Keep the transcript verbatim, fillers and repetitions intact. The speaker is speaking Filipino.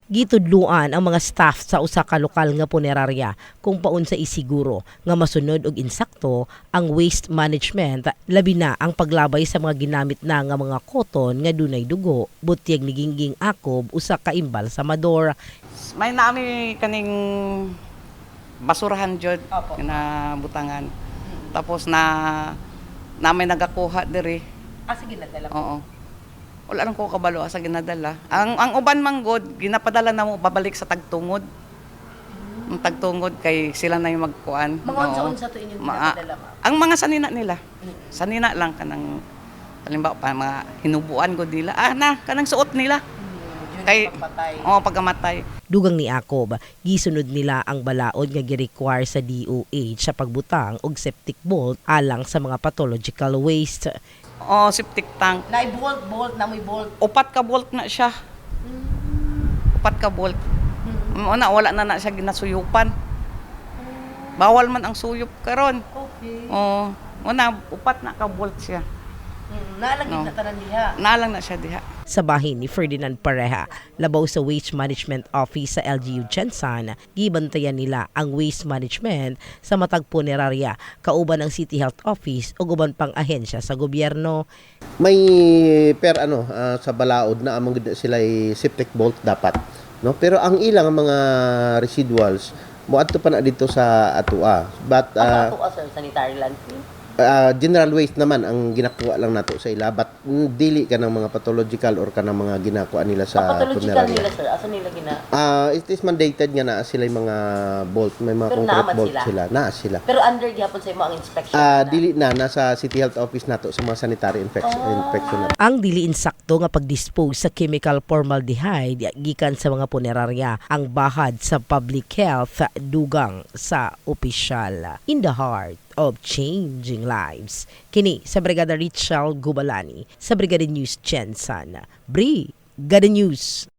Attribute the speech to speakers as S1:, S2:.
S1: Gitudluan ang mga staff sa usa ka lokal nga punerarya kung paun sa isiguro nga masunod og insakto ang waste management, labi na ang paglabay sa mga ginamit na nga mga koton nga dunay dugo, butyag ni Gingging Akob usa ka imbal sa Mador.
S2: May naami kaning basurahan jud na butangan. Tapos na namin nagakuha diri.
S1: Ah, sige na dala.
S2: Oo. Wala lang ko kabalo sa ginadala. Ang ang uban manggod ginapadala na mo babalik sa tagtungod. Ang tagtungod kay sila na yung magkuan.
S1: Mga unsa-unsa to inyong ginapadala, ma'am?
S2: Ang mga sanina nila. Sanina lang kanang halimbawa pa mga hinubuan gud nila. Ah na kanang suot nila. Kay oh pagamatay.
S1: Dugang ni Akob, gisunod nila ang balaod nga gi-require sa D O H sa pagbutang og septic bolt alang sa mga pathological waste.
S2: Oh, septic tank.
S1: Na bolt bolt na may bolt.
S2: Upat ka bolt na siya. Upat ka bolt. Una wala na na siya ginasuyupan. Bawal man ang suyop karon.
S1: Okay.
S2: Oh, una upat na ka bolt siya.
S1: Naalagid
S2: No.
S1: na tanan diha.
S2: Nalang na siya diha.
S1: Sa bahin ni Ferdinand Pareha, labaw sa Waste Management Office sa L G U Gensan, gibantayan nila ang waste management sa matag punerarya, kauban ang City Health Office o uban pang ahensya sa gobyerno.
S3: May per ano ah, sa balaod na among gid sila ay septic bolt dapat, no? Pero ang ilang mga residuals moadto pa na dito sa atua. But uh,
S1: Ato sir, sanitary landfill.
S3: uh, general waste naman ang ginakuha lang nato sa ila, but mm, dili ka ng mga pathological or ka ng mga ginakuha nila sa
S1: Pathological
S3: punerarya.
S1: nila sir, asa nila gina?
S3: Ah, it is mandated nga na sila yung mga bolt, may mga
S1: Pero
S3: concrete
S1: naaman
S3: bolt
S1: sila?
S3: sila, na sila.
S1: Pero under gyapon sa imo ang inspection.
S3: Ah, dili na nasa City Health Office nato sa mga sanitary infection
S1: Ah.
S3: infection nato.
S1: Ang dili insakto nga pagdispose sa chemical formaldehyde gikan sa mga punerarya ang bahad sa public health dugang sa opisyal. In the heart of changing lives. Kini sa Brigada Richard Gubalani sa Brigada News Gensan. Brigada News.